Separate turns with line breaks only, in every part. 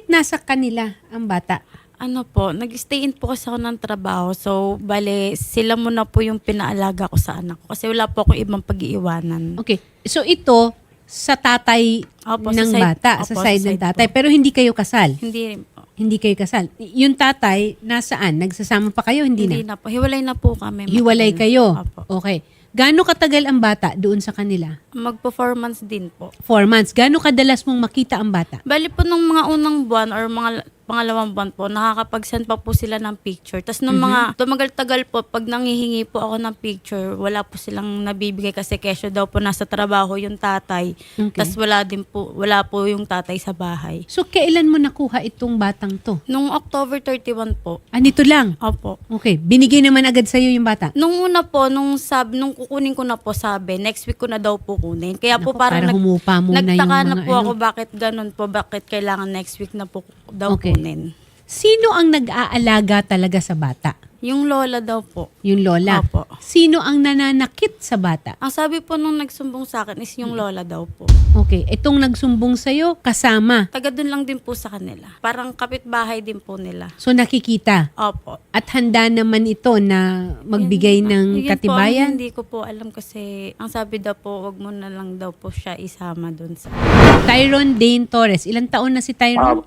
nasa kanila ang bata?
Ano po, nag-stay in po kasi ako ng trabaho. So, bale, sila muna po yung pinaalaga ko sa anak ko. Kasi wala po akong ibang pag-iiwanan.
Okay. So ito, sa tatay
Opo,
ng
sa side-
bata,
opo,
sa
sa
side ng
side
tatay.
po.
Pero hindi kayo kasal.
Hindi rin po.
Hindi kayo kasal. Yung tatay, nasaan? Nagsasama pa kayo? Hindi na?
Po. Hiwalay na po kami.
Hiwalay
matagal.
kayo?
Opo.
Okay. Gaano katagal ang bata doon sa kanila?
Mag-performance din po.
4 months. Gaano kadalas mong makita ang bata?
Bali po nung mga unang buwan or mga pangalawang buwan po, nakakapag-send pa po sila ng picture. Tapos nung mga tumagal-tagal po, pag nangihingi po ako ng picture, wala po silang nabibigay kasi kesyo daw po nasa trabaho yung tatay.
Okay.
Tapos wala po yung tatay sa bahay.
So, kailan mo nakuha itong batang to?
Nung October 31 po,
Nito lang?
opo.
Okay. Binigay naman agad sa'yo yung bata?
Nung una po, nung kukunin ko na po sabi, next week ko na daw po kunin. Kaya po
Naku,
parang
para humupa muna yung
nagtaka na
mga
po
ano.
ako bakit ganun po, bakit kailangan next week na po daw
Okay.
kunin.
Sino ang nag-aalaga talaga sa bata?
Yung lola daw po.
Yung lola?
Opo.
Sino ang nananakit sa bata?
Ang sabi po nung nagsumbong sa akin is yung lola daw po.
Okay. Itong nagsumbong sa'yo, kasama.
Taga dun lang din po sa kanila. Parang kapitbahay din po nila.
So, nakikita.
Opo.
At handa naman ito na magbigay ng
Yun
katibayan?
Po, hindi ko po alam kasi ang sabi daw po, wag mo na lang daw po siya isama dun sa...
Tyrone Dane Torres. Ilang taon na si Tyrone?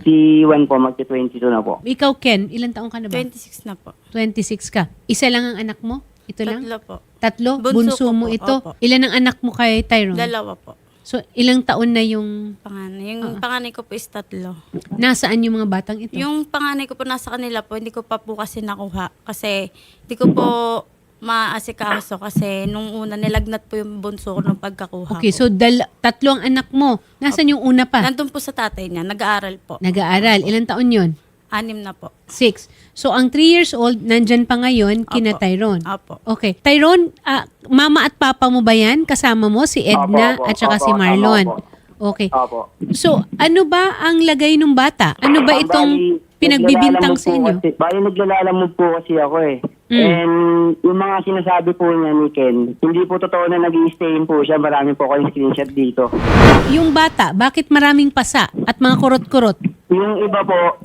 31 po, magti-22 na po.
Ikaw, Ken, ilang taon ka na ba?
26 na po.
26 ka. Isa lang ang anak mo? Ito lang?
Tatlo po.
Tatlo?
Bunso ko
mo
po,
ito?
opo.
Ilan ang anak mo kay Tyrone?
Dalawa po.
So, ilang taon na yung...
Panganay. Yung panganay ko po is 3.
Nasaan yung mga batang ito?
Yung panganay ko po nasa kanila po, hindi ko pa po kasi nakuha. Kasi hindi ko po maasikaso kasi nung una nilagnat po yung bunso ko nung pagkakuha
Okay,
ko.
so tatlo ang anak mo. Nasaan yung una pa?
Nandun po sa tatay niya, nag-aaral po.
Nag-aaral. Ilang taon yon?
6 na po.
6. So, ang 3 years old, nandyan pa ngayon, kina
Opo.
Tyrone.
Apo.
Okay. Tyrone, mama at papa mo ba yan? Kasama mo si Edna
Opo,
at saka
opo,
si Marlon.
opo.
Okay.
Opo.
So, ano ba ang lagay ng bata? Ano ba itong pinagbibintang sa inyo?
Bali, naglalalamog po kasi ako eh. And yung mga sinasabi po niya ni Ken, hindi po totoo na nag-i-stayin po siya. Marami po kayong screenshot dito.
Yung bata, bakit maraming pasa at mga kurot-kurot?
Yung iba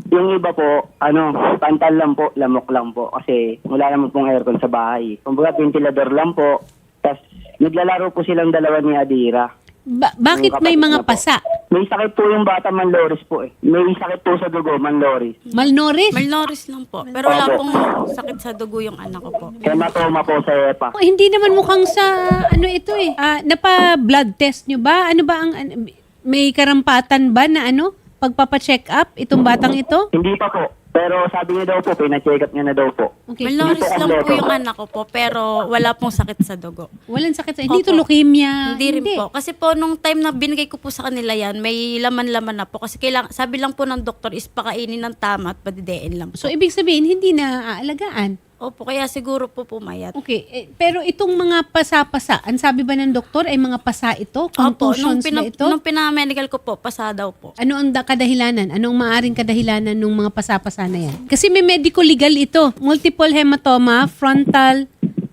po, pantal lang po, lamok lang po. Kasi wala naman pong aircon sa bahay. Kumbaga, ventilador lang po. Tapos, naglalaro po silang dalawa ni Adira.
Bakit
Yung
may
kapatid
mga
na po.
pasa?
May sakit po yung bata, manloris po eh. May sakit po sa dugo, manloris.
Malnourished?
Malnourished lang po. Pero wala
Opo.
pong sakit sa dugo yung anak ko po.
Hematoma po sa EPA.
Oh, hindi naman mukhang sa ano ito eh. Napa-blood test nyo ba? Ano ba ang may karampatan ba na pagpapa-check up itong batang ito?
Hindi pa po. Pero sabi niya daw po, pina-check up niya na daw po.
Okay.
Malnourished lang po
kompleto.
yung anak ko po, pero wala pong sakit sa dugo.
Walang sakit sa hindi
Opo.
ito leukemia.
Hindi rin po. Kasi po, nung time na binigay ko po sa kanila yan, may laman-laman na po. Kasi sabi lang po ng doktor is pakainin ng tama at padidein lang po.
So ibig sabihin hindi na aalagaan.
Opo, kaya siguro po pumayat.
Okay, pero itong mga pasa-pasa, ang sabi ba ng doktor ay mga pasa ito?
Opo,
Contusions ba ito?
nung pinamedical ko po, pasa daw po.
Ano ang kadahilanan? Anong maaring kadahilanan ng mga pasa-pasa na yan? Kasi may medical legal ito. Multiple hematoma, frontal,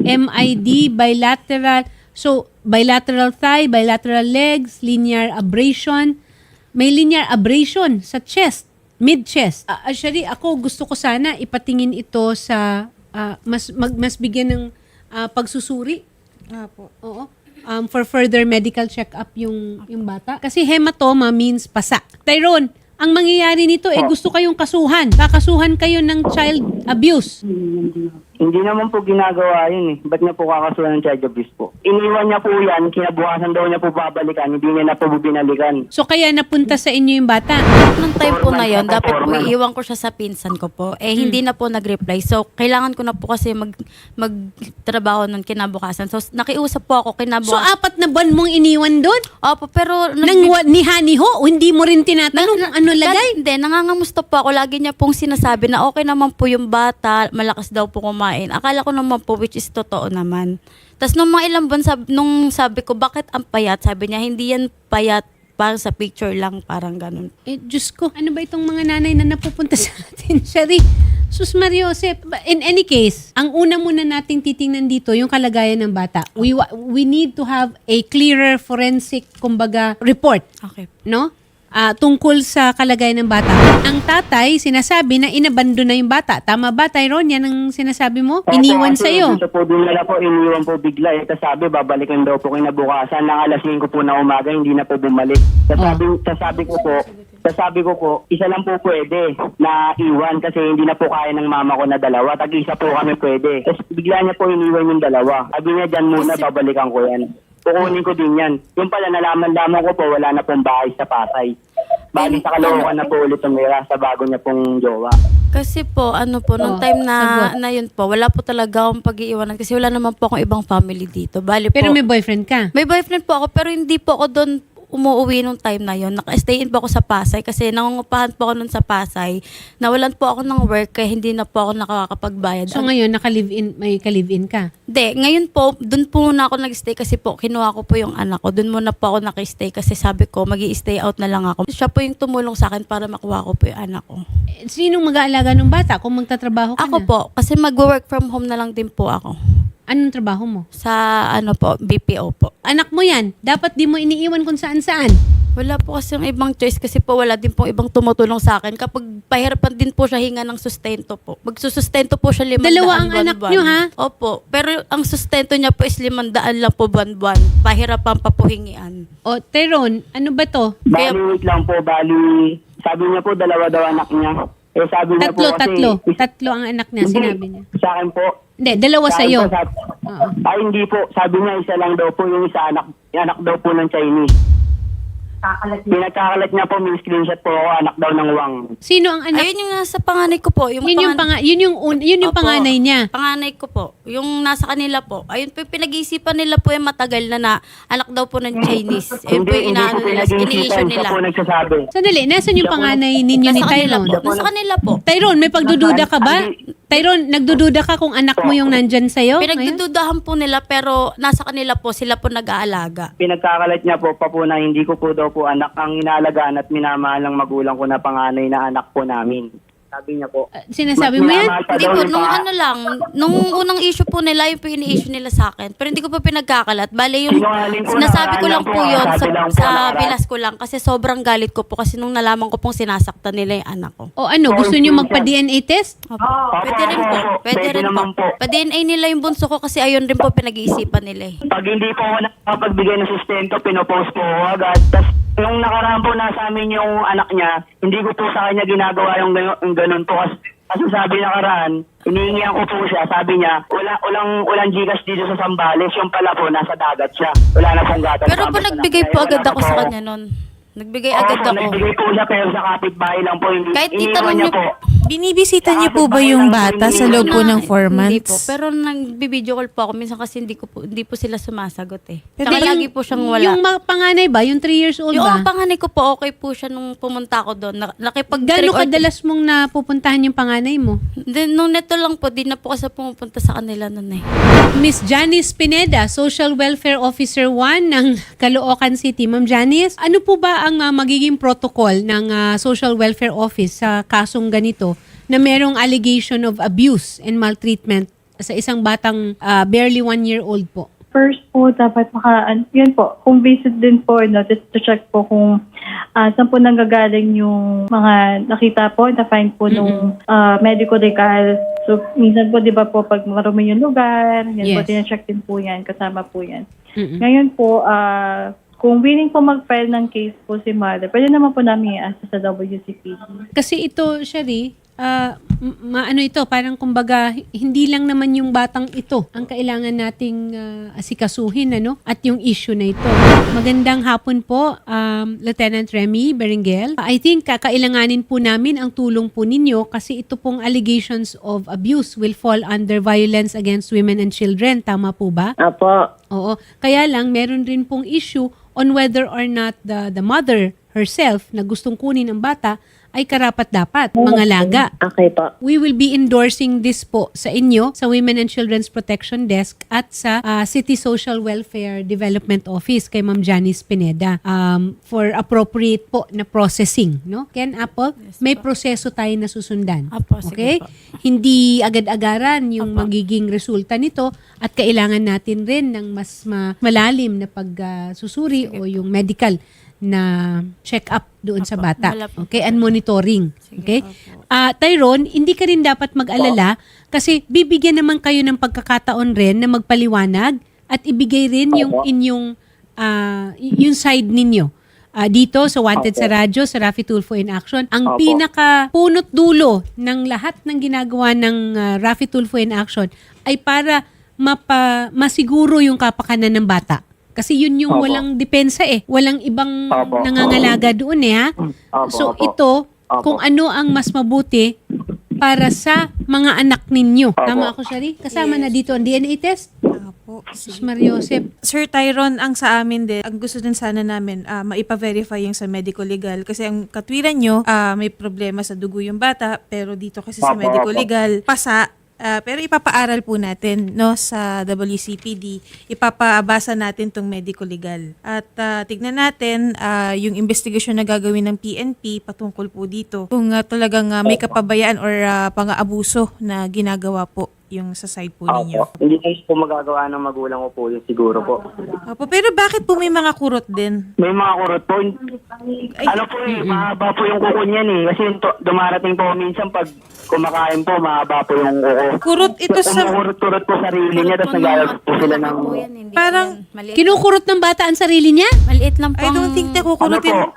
MID, bilateral. So, bilateral thigh, bilateral legs, linear abrasion. May linear abrasion sa chest, mid-chest. Actually, ako gusto ko sana ipatingin ito sa mas bigyan ng pagsusuri.
Opo.
Oo. For further medical check-up yung bata. Kasi hematoma means pasa. Tyrone, ang mangyayari nito gusto kayong kasuhan. Kakasuhan kayo ng child abuse.
Hindi naman po ginagawa yun eh. Ba't niya po kakasuhan ng child abuse po? Iniwan niya po yan, kinabukasan daw niya po babalikan, hindi niya na po binalikan.
So kaya napunta sa inyo yung bata.
Nung time po na yon,
Performance,
dapat po
performance.
iiwan ko siya sa pinsan ko po. Hindi na po nag-reply. So, kailangan ko na po kasi magtrabaho nun kinabukasan. So, nakiusap po ako
So
kinabukasan.
4 na buwan mong iniwan doon?
Opo, pero...
Niha-niho? Hindi mo rin tinatanong kung ano lagay?
Hindi, nangangamusta po ako. Lagi niya pong sinasabi na okay naman po yung bata, malakas daw po kumain. Akala ko naman po, which is totoo naman. Tapos nung mga ilang buwan, nung sabi ko, bakit ang payat? Sabi niya, hindi yan payat, parang sa picture lang, parang ganun.
Diyos ko, ano ba itong mga nanay na napupunta sa atin? Shari, Sus Mariosep. In any case, ang una muna nating titingnan dito, yung kalagayan ng bata. We need to have a clearer forensic, kumbaga, report.
Okay.
No? tungkol sa kalagayan ng bata. Ang tatay, sinasabi na inabando na yung bata. Tama ba, Tyrone? Yan ang sinasabi mo? Iniwan sa'yo.
Dito po dinala po, iniwan po bigla. Tapos sabi, babalikan daw po kinabukasan. Nang alas 5 po na umaga, hindi na po bumalik. Sasabi ko po, isa lang po pwede na iwan kasi hindi na po kaya ng mama ko na dalawa. Tag-isa po kami pwede. Tapos bigla niya po iniwan yung dalawa. Sabi niya, dyan muna, babalikan ko yan. Kukunin ko din yan. Yung pala, nalaman ko po, wala na pong bahay sa Pasay. Bali sa Caloocan na po ulit tumira sa bago niya pong jowa.
Kasi po, nung time na yun po, wala po talaga akong pag-iiwanan kasi wala naman po akong ibang family dito. Bali
Pero
po,
may boyfriend ka.
may boyfriend po ako pero hindi po ako doon umuwi nung time na yun. Naka-stay in po ako sa Pasay kasi nangungupahan po ako nun sa Pasay. Nawalan po ako ng work kaya hindi na po ako nakakapagbayad.
So ngayon, may ka-live-in ka.
Hindi, ngayon po, doon po muna ako nag-stay kasi po, kinuha ko po yung anak ko. Doon muna po ako nag-stay kasi sabi ko, mag-i-stay out na lang ako. Siya po yung tumulong sa akin para makuha ko po yung anak ko.
Sinong mag-aalaga ng bata kung magtatrabaho ka
Ako
na?
po, kasi mag-work from home na lang din po ako.
Anong trabaho mo?
Sa BPO po.
Anak mo yan. Dapat di mo iniiwan kung saan-saan.
Wala po kasi yung ibang choice kasi po wala din pong ibang tumutulong sa akin. Kapag pahirapan din po siya hinga ng sustento po. Magsusustento po siya 500
Dalawa ang anak
buwan-buwan.
niyo, ha?
Opo. Pero ang sustento niya po is 500 lang po buwan-buwan. Pahirapan pa po hingian.
O, Tyrone, ano ba to?
Kaya-
Wait lang po, sabi niya po, dalawa daw anak niya. Sabi niya po kasi...
Tatlo ang anak niya, sinabi niya.
Sa akin po.
Hindi, dalawa
Sa akin
sa'yo.
po, Ay, hindi po. Sabi niya, isa lang daw po yung isa anak daw po ng Chinese. Pinagkakalat niya po, may screenshot po ako, anak daw ng Wang.
Sino ang anak?
Ayun yung nasa panganay ko po.
Yun yung
Opo,
panganay niya.
Panganay ko po. Yung nasa kanila po. Ayun po yung pinag-iisipan nila po yung matagal na anak daw po ng Chinese. Ayun po yung inaano nila, ini-issue
Siya
nila.
po nagsasabi.
Sandali, nasan yung panganay ninyo ni
Nasa kanila
Tyrone?
po. Nasa kanila po.
Tyrone, may pagdududa ka ba? Tyrone, nagdududa ka kung anak mo yung nandyan sa'yo? ngayon?
Pinagdududahan po nila pero nasa kanila po, sila po nag-aalaga.
Pinagkakalat niya po pa po na hindi ko po daw po anak ang inaalagaan at minamahal ng magulang ko na panganay na anak po namin. Sabi niya po.
Sinasabi mo yan?
minamahal pa
Hindi
daw
po,
yung
nung ano lang, nung unang issue po nila, yung po ini-issue nila sa akin. Pero hindi ko pa pinagkakalat. Bale, yung
Sinungaling po,
nasabi ko lang
nakaraan
po
lang po,
yun
sabi lang po,
sa
nakaraan.
bilas ko lang kasi sobrang galit ko po kasi nung nalaman ko pong sinasaktan nila yung anak ko.
O ano, gusto nyo magpa-DNA test?
Opo. Pwede rin po. Pwede rin
naman
po.
po.
Pa-DNA nila yung bunso ko kasi ayun rin po pinag-iisipan nila eh.
Pag hindi po ako nakapagbigay ng sustento, pinopost po ako agad. Tapos nung nakaraan po nasa amin yung anak niya, hindi ko po sa kanya ginagawa yung ganun po. Kasi sabi nakaraan, iniingihan ko po siya. Sabi niya, walang Gcash dito sa Sambales. Yung pala po, nasa dagat siya. Wala na pong gatas.
Pero po nagbigay po agad ako sa kanya nun. Nagbigay agad ako.
Nagbigay po siya pero sa kapitbahay lang po.
Kahit
Iniwan
itanong
niya
niyo
po.
Binibisita niyo po ba yung bata sa loob po ng 4
Hindi po.
months?
Pero nag-video call po ako. Minsan kasi hindi po sila sumasagot eh.
Pero
Tsaka
yung-
lagi po siyang wala.
Yung panganay ba? Yung 3 years old
Yung
ba?
panganay ko po, okay po siya nung pumunta ako doon.
Gano'ng kadalas mong napupuntahan yung panganay mo?
Then, nung neto lang po, di na po kasi pumupunta sa kanila noon eh.
Miss Janice Pineda, Social Welfare Officer 1 ng Caloocan City. Ma'am Janice, ano po ba ang magiging protocol ng Social Welfare Office sa kasong ganito na merong allegation of abuse and maltreatment sa isang batang barely 1 year old po?
First po, dapat yun po, kung visit din po, just to check po kung saan po nanggagaling yung mga nakita po, na-find po nung medical legal. So, minsan po, di ba po, pag marumi yung lugar, yan po,
Yes.
tina-check din po yan, kasama po yan.
Mm-mm.
Ngayon po, kung willing po mag-file ng case po si mother, pwede naman po namin i-assess sa WCPD.
Kasi ito, Shari, ano ito, parang kumbaga, hindi lang naman yung batang ito ang kailangan nating asikasuhin, ano? At yung issue na ito. Magandang hapon po, Lieutenant Remy Berengel. I think kakailanganin po namin ang tulong po ninyo kasi ito pong allegations of abuse will fall under violence against women and children. Tama po ba?
Apo.
Oo. Kaya lang, meron rin pong issue on whether or not the mother herself na gustong kunin ang bata ay karapat-dapat, mangalaga.
Okay po.
We will be endorsing this po sa inyo, sa Women and Children's Protection Desk at sa City Social Welfare Development Office kay Ma'am Janice Pineda for appropriate po na processing. No? Ken Apple, may proseso tayo na susundan.
Apo, sige
Okay?
po.
Hindi agad-agaran yung magiging resulta nito at kailangan natin rin ng mas malalim na pagsusuri o yung medical na check-up doon sa bata.
Wala po.
Okay? And monitoring.
Sige,
Okay?
opo.
Tyrone, hindi ka rin dapat mag-alala kasi bibigyan naman kayo ng pagkakataon rin na magpaliwanag at ibigay rin yung inyong yung side ninyo. Dito sa Wanted sa Radyo, sa Raffy Tulfo in Action, ang
Opo.
pinaka punot dulo ng lahat ng ginagawa ng Raffy Tulfo in Action ay para masiguro yung kapakanan ng bata. Kasi yun yung
Opo.
walang depensa eh. Walang ibang
Opo.
nangangalaga doon eh ha.
Opo,
So
opo.
ito,
Opo.
kung ano ang mas mabuti para sa mga anak ninyo.
Opo.
Tama ako, Shari? Kasama na dito ang DNA test?
Opo.
Sus Mariosep.
Sir Tyron, ang sa amin din, ang gusto din sana namin, maipa-verify yung sa medical legal. Kasi ang katwiran nyo, may problema sa dugo yung bata, pero dito kasi sa
Opo,
medical
opo.
legal, pasa. Pero ipapaaral po natin no sa WCPD, ipapabasa natin tong medical legal. At tignan natin yung investigasyon na gagawin ng PNP patungkol po dito. Kung talagang may kapabayaan or pang-aabuso na ginagawa po yung sa side po ninyo.
Opo. Hindi po magagawa ng magulang ko po yun siguro po.
Opo, pero bakit po may mga kurot din?
May mga kurot po. Ano po mahaba po yung kuko niyan eh. Kasi dumarating po minsan pag kumakain po, mahaba po yung kuko.
Kurot ito sa...
Kurot-kurot po sarili niya, tapos naglalagay po sila ng...
Po yan, hindi
Parang
po yan. Maliit,
Kinukurot ng bata ang sarili niya?
maliit lang po
I don't think na
Ano
kukurutin.
po?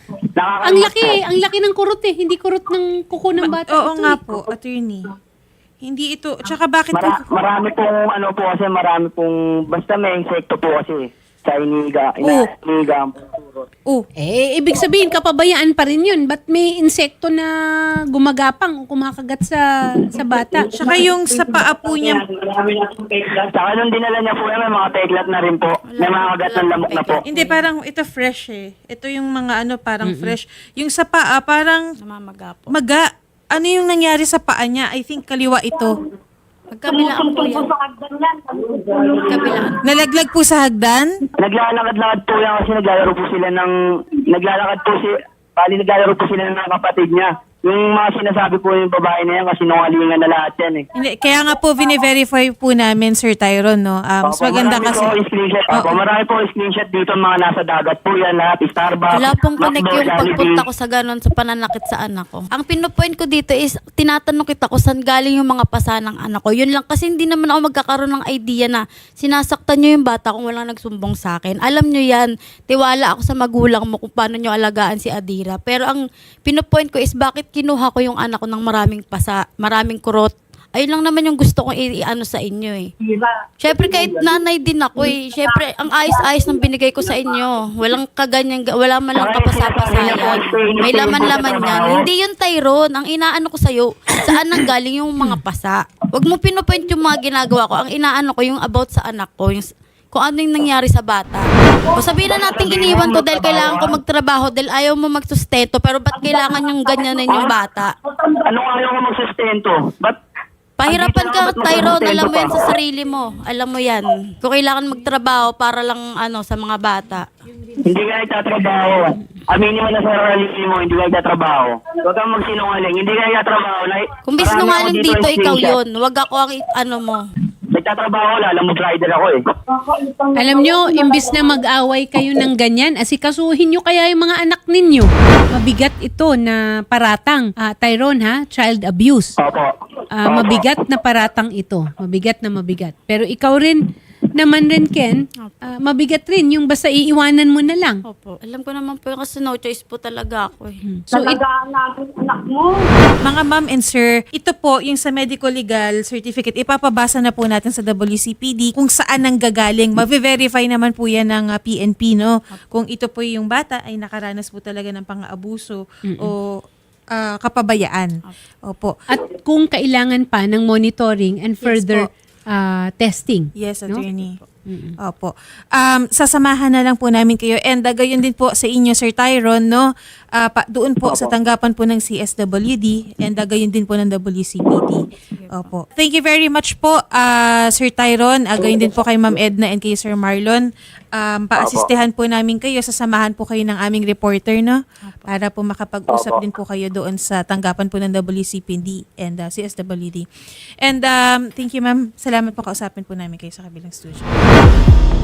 Ang laki ng kurot eh. Hindi kurot ng kuko ng bata.
Oo
ito
nga
eh.
po, attorney. Hindi ito. Tsaka bakit po...
Marami pong ano po kasi, marami pong... Basta may insekto po kasi sa iniga. Iniga ang kurot.
Oh,
Ibig sabihin, kapabayaan pa rin yun. Ba't may insekto na gumagapang o kumakagat sa bata?
tsaka yung sa paa po niya,
Marami na pong peklat. Saka nung dinala niya po yan, may mga peklat na rin po. May mga kagat ng lamok na po.
hindi parang ito fresh eh. Ito yung mga ano parang fresh. Yung sa paa parang
namamaga po.
maga. Ano yung nangyari sa paa niya? I think kaliwa ito.
Magkabilaan po yan. Magkabilaan.
Nalaglag po sa hagdan?
Naglalakad-lakad po yan kasi naglalaro po sila ng... Naglalaro po sila ng kapatid niya. Yung mga sinasabi po yung babae na yan kasi nungalingan na lahat yan eh.
Hindi, kaya nga po vine-verify po namin Sir Tyron no. Mas
Opo,
maganda
marami
kasi
po screenshot. Opo, marami po screenshot dito mga nasa dagat po yan lahat. Starbucks,
Wala pong connect
McDo,
yung
Jollibee.
pagpunta ko sa ganon sa pananakit sa anak ko. Ang pinupoint ko dito is, tinatanong kita kung saan galing yung mga pasa ng anak ko. Yun lang kasi hindi naman ako magkakaroon ng idea na sinasaktan nyo yung bata kung walang nagsumbong sa akin. Alam nyo yan, tiwala ako sa magulang mo kung paano nyo alagaan si Adira. Pero ang pinupoint ko is bakit kinuha ko yung anak ko ng maraming pasa, maraming kurot. Ayun lang naman yung gusto kong i-ano sa inyo eh. Siyempre kahit nanay din ako eh. Siyempre ang ayos-ayos ng binigay ko sa inyo. Walang kaganyan, wala man lang kapasa-pasayan. May laman-laman yan. Hindi yun Tyrone. Ang inaano ko sa'yo, saan nang galing yung mga pasa. Huwag mo pinupoint yung mga ginagawa ko. Ang inaano ko yung about sa anak ko. Yung, kung ano yung nangyari sa bata. O sabihin na natin iniwan to dahil kailangan ko magtrabaho dahil ayaw mo magsustento pero ba't kailangan yung ganyanin yung bata?
Anong ayaw ko magsustento? Ba't
Pahirapan
andito
ka,
ba't
Tyrone.
magsustento
Alam mo yan
pa?
sa sarili mo. Alam mo yan. Kung kailangan magtrabaho para lang sa mga bata.
Hindi ka nagtatrabaho. Aminin mo na sa sarili mo, hindi ka nagtatrabaho. Huwag kang magsinungaling. Hindi ka nagtatrabaho.
Kung bis
Marami
nungaling
ako
dito, ikaw
screenshot.
yun. Huwag ako ang ano mo.
Nagtatrabaho, alam mo, rider ako eh.
Alam nyo, imbis na mag-away kayo ng ganyan, asikasuhin nyo kaya yung mga anak ninyo. Mabigat ito na paratang. Tyrone ha, child abuse.
Opo.
Mabigat na paratang ito. Mabigat na mabigat. Pero ikaw rin, naman rin Ken, mabigat rin yung basta iiwanan mo na lang.
Opo. Alam ko naman po yung kasi no choice po talaga ako eh.
So
Mga ma'am and sir, ito po yung sa medical legal certificate, ipapabasa na po natin sa WCPD kung saan nang gagaling. Mavi-verify naman po yan ng PNP, no? Kung ito po yung bata ay nakaranas po talaga ng pang-aabuso o kapabayaan. Opo.
at kung kailangan pa ng monitoring and further testing.
Yes,
no?
attorney. Opo. Sasamahan na lang po namin kayo and gayon din po sa inyo Sir Tyron no. Doon po sa tanggapan po ng CSWD and gayon din po ng WCPD. Opo. Thank you very much po Sir Tyron. Gayon din po kay Ma'am Edna and kay Sir Marlon. Paasistehan po namin kayo, sasamahan po kayo ng aming reporter no para po makapag-usap din po kayo doon sa tanggapan po ng WCPD and CSWD. And thank you ma'am. Salamat po, kausapin po namin kayo sa kabilang studio.